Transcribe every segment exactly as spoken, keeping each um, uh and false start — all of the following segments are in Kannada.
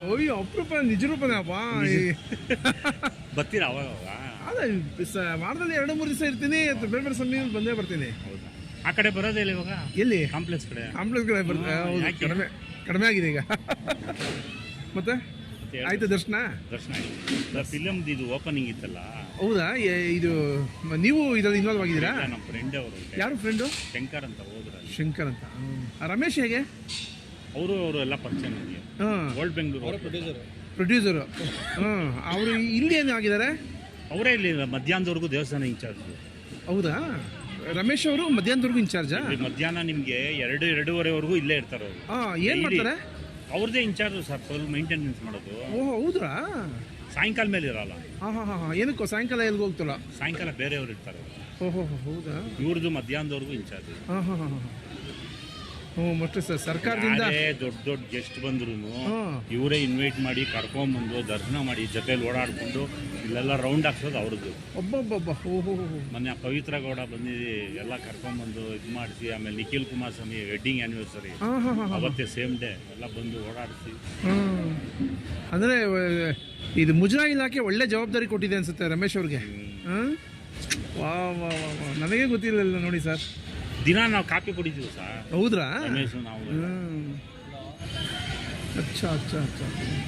ಅಯ್ಯೋ ಅಪರೂಪ ನಿಜ ರೂಪನೇ ಅಪ್ಪ. ಬರ್ತೀರಾ ಅವಾಗ? ಅದೇ ವಾರದಲ್ಲಿ ಎರಡು ಮೂರು ದಿವಸ ಇರ್ತೀನಿ, ಬೇರೆ ಬೇರೆ ಸಮಯ ಬಂದೇ ಬರ್ತೀನಿ. ಹೌದಾ? ಆ ಕಡೆ ಬರೋದೇ ಇಲ್ಲ ಇವಾಗ? ಎಲ್ಲಿ? ಕಾಂಪ್ಲೆಕ್ಸ್ ಕಡೆ. ಕಾಂಪ್ಲೆಕ್ಸ್ ಕಡೆ ಬರ್ತೀನಿ. ಹೌದು, ಕಡಿಮೆ ಕಡಿಮೆ ಆಗಿದೆ ಈಗ. ಮತ್ತೆ ಆಯ್ತು ದರ್ಶನ? ದರ್ಶನ ಆಯ್ತು. ಫಿಲಮ್ ಇದು ಓಪನಿಂಗ್ ಇತ್ತಲ್ಲ. ಹೌದಾ? ಇದು ನೀವು ಇದ್ರಲ್ಲಿ ಇನ್ವಾಲ್ವ್ ಆಗಿದ್ದೀರಾ? ನಮ್ಮ ಫ್ರೆಂಡ್ ಅವರು. ಯಾರು ಫ್ರೆಂಡು? ಶಂಕರ್ ಅಂತ ಹೋದ್ರ. ಶಂಕರ್ ಅಂತ. ರಮೇಶ್ ಹೇಗೆ? ಅವರು ಅವರು ಎಲ್ಲ ಪರಿಚಯ ನನಗೆ. ಹಾಂ, ವರ್ಲ್ಡ್ ಬೆಂಗಳೂರು ಪ್ರೊಡ್ಯೂಸರ್ ಪ್ರೊಡ್ಯೂಸರು. ಹಾಂ, ಅವರು ಇಲ್ಲಿ ಏನು ಆಗಿದ್ದಾರೆ? ಅವರೇ ಇಲ್ಲಿ ಮಧ್ಯಾಹ್ನದವರೆಗೂ ದೇವಸ್ಥಾನ ಇನ್ಚಾರ್ಜ್. ಹೌದಾ? ರಮೇಶ್ ಅವರು ಮಧ್ಯಾಹ್ನದವರೆಗೂ ಇನ್ಚಾರ್ಜಾ? ಮಧ್ಯಾಹ್ನ ನಿಮಗೆ ಎರಡು ಎರಡೂವರೆವರೆಗೂ ಇಲ್ಲೇ ಇರ್ತಾರೆ ಅವರು. ಹಾಂ, ಏನು ಮಾಡ್ತಾರೆ? ಅವ್ರದ್ದೇ ಇನ್ಚಾರ್ಜ್ ಸರ್, ಫುಲ್ ಮೇಂಟೆನೆನ್ಸ್ ಮಾಡೋದು. ಓಹ್ ಹೌದಾ? ಸಾಯಂಕಾಲ ಮೇಲೆ ಇರಲ್ಲ. ಹಾಂ ಹಾಂ ಹಾಂ ಏನಕ್ಕೋ ಸಾಯಂಕಾಲ ಎಲ್ಲಿಗೆ ಹೋಗ್ತಲ್ಲ? ಸಾಯಂಕಾಲ ಬೇರೆಯವ್ರು ಇರ್ತಾರೆ. ಓಹೋ ಹೌದಾ? ಇವ್ರದ್ದು ಮಧ್ಯಾಹ್ನದವರೆಗೂ ಇನ್ಚಾರ್ಜ್. ಹಾಂ ಹಾಂ ಹಾಂ ಹಾಂ ಹ್ಞೂ ಮತ್ತೆ ಸರ್ ಸರ್ಕಾರದಿಂದ ದೊಡ್ಡ ದೊಡ್ಡ ಗೆಸ್ಟ್ ಬಂದ್ರು ಇವರೇ ಇನ್ವೈಟ್ ಮಾಡಿ ಕರ್ಕೊಂಬಂದು ದರ್ಶನ ಮಾಡಿ ಜೊತೆಲಿ ಓಡಾಡ್ಕೊಂಡು ಇಲ್ಲೆಲ್ಲ ರೌಂಡ್ ಹಾಕ್ಸೋದು ಅವ್ರದ್ದು. ಒಬ್ಬೊಬ್ಬೊಬ್ಬ. ಓಹೋ ಮೊನ್ನೆ ಪವಿತ್ರ ಗೌಡ ಬಂದಿದ್ದು ಎಲ್ಲ ಕರ್ಕೊಂಬಂದು ಇದು ಮಾಡಿಸಿ, ಆಮೇಲೆ ನಿಖಿಲ್ ಕುಮಾರಸ್ವಾಮಿ ವೆಡ್ಡಿಂಗ್ ಆ್ಯನಿವರ್ಸರಿ ಅವತ್ತೇ ಸೇಮ್ ಡೇ ಎಲ್ಲ ಬಂದು ಓಡಾಡಿಸಿ. ಅಂದರೆ ಇದು ಮುಜರಾಯಿ ಇಲಾಖೆ ಒಳ್ಳೆ ಜವಾಬ್ದಾರಿ ಕೊಟ್ಟಿದೆ ಅನ್ಸುತ್ತೆ ರಮೇಶ್ ಅವ್ರಿಗೆ. ಹಾಂ, ವಾ ವಾ ವಾ ವಾ ನನಗೆ ಗೊತ್ತಿರಲಿಲ್ಲ ನೋಡಿ ಸರ್. ದಿನ ನಾವು ಕಾಪಿ ಕುಡಿತೀವಿ ಸರ್. ಹೌದ್ರಾ? ರಮೇಶ್ ನಾವು. ಅಚ್ಚಾ ಅಚ್ಚಾ ಅಚ್ಚಾ.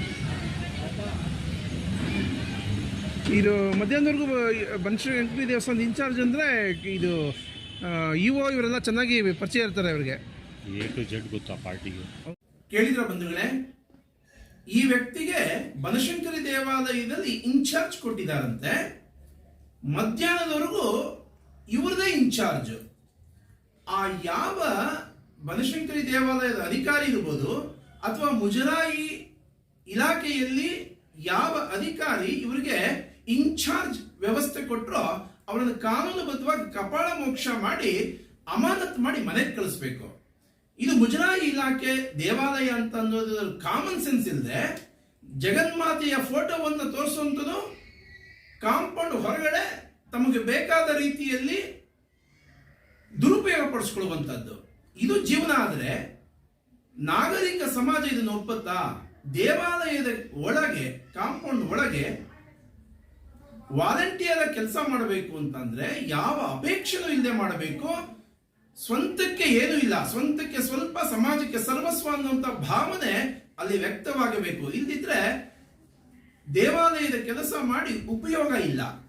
ಇದು ಮಧ್ಯಾಹ್ನದವರೆಗೂ ಬನಶಂಕರಿ ದೇವಸ್ಥಾನದ ಇನ್ಚಾರ್ಜ್ ಅಂದರೆ ಇದು ಇ ಒ ಇವರೆಲ್ಲ ಚೆನ್ನಾಗಿ ಪರಿಚಯ ಇರ್ತಾರೆ ಇವರಿಗೆ. ಎ ಟು ಜೆಡ್ ಗೊತ್ತಾ ಪಾರ್ಟಿಗೆ. ಕೇಳಿದ್ರ ಬಂಧುಗಳೇ, ಈ ವ್ಯಕ್ತಿಗೆ ಬನಶಂಕರಿ ದೇವಾಲಯದಲ್ಲಿ ಇನ್ಚಾರ್ಜ್ ಕೊಟ್ಟಿದ್ದಾರಂತೆ. ಮಧ್ಯಾಹ್ನದವರೆಗೂ ಇವ್ರದೇ ಇನ್ಚಾರ್ಜ್. ಆ ಯಾವ ಬನಶಂಕರಿ ದೇವಾಲಯದ ಅಧಿಕಾರಿ ಇರ್ಬೋದು ಅಥವಾ ಮುಜರಾಯಿ ಇಲಾಖೆಯಲ್ಲಿ ಯಾವ ಅಧಿಕಾರಿ ಇವರಿಗೆ ಇನ್ಚಾರ್ಜ್ ವ್ಯವಸ್ಥೆ ಕೊಟ್ಟರೋ ಅವರನ್ನು ಕಾನೂನುಬದ್ಧವಾಗಿ ಕಪಾಳ ಮೋಕ್ಷ ಮಾಡಿ ಅಮಾನತ್ ಮಾಡಿ ಮನೆಗೆ ಕಳಿಸ್ಬೇಕು. ಇದು ಮುಜರಾಯಿ ಇಲಾಖೆ ದೇವಾಲಯ ಅಂತ ಅನ್ನೋದು ಕಾಮನ್ ಸೆನ್ಸ್ ಇಲ್ಲದೆ ಜಗನ್ಮಾತೆಯ ಫೋಟೋವನ್ನು ತೋರಿಸುವಂಥದ್ದು, ಕಾಂಪೌಂಡ್ ಹೊರಗಡೆ ತಮಗೆ ಬೇಕಾದ ರೀತಿಯಲ್ಲಿ ದುರುಪಯೋಗ ಪಡಿಸ್ಕೊಳ್ಳುವಂಥದ್ದು, ಇದು ಜೀವನ. ಆದರೆ ನಾಗರಿಕ ಸಮಾಜ ಇದನ್ನು ಒಪ್ಪುತ್ತಾ? ದೇವಾಲಯದ ಒಳಗೆ ಕಾಂಪೌಂಡ್ ಒಳಗೆ ವಾಲಂಟಿಯರ್ ಕೆಲಸ ಮಾಡಬೇಕು ಅಂತಂದ್ರೆ ಯಾವ ಅಪೇಕ್ಷೆನೂ ಇಲ್ಲದೆ ಮಾಡಬೇಕು. ಸ್ವಂತಕ್ಕೆ ಏನೂ ಇಲ್ಲ, ಸ್ವಂತಕ್ಕೆ ಸ್ವಲ್ಪ, ಸಮಾಜಕ್ಕೆ ಸರ್ವಸ್ವ ಅನ್ನುವಂಥ ಭಾವನೆ ಅಲ್ಲಿ ವ್ಯಕ್ತವಾಗಬೇಕು. ಇಲ್ಲದಿದ್ರೆ ದೇವಾಲಯದ ಕೆಲಸ ಮಾಡಿ ಉಪಯೋಗ ಇಲ್ಲ.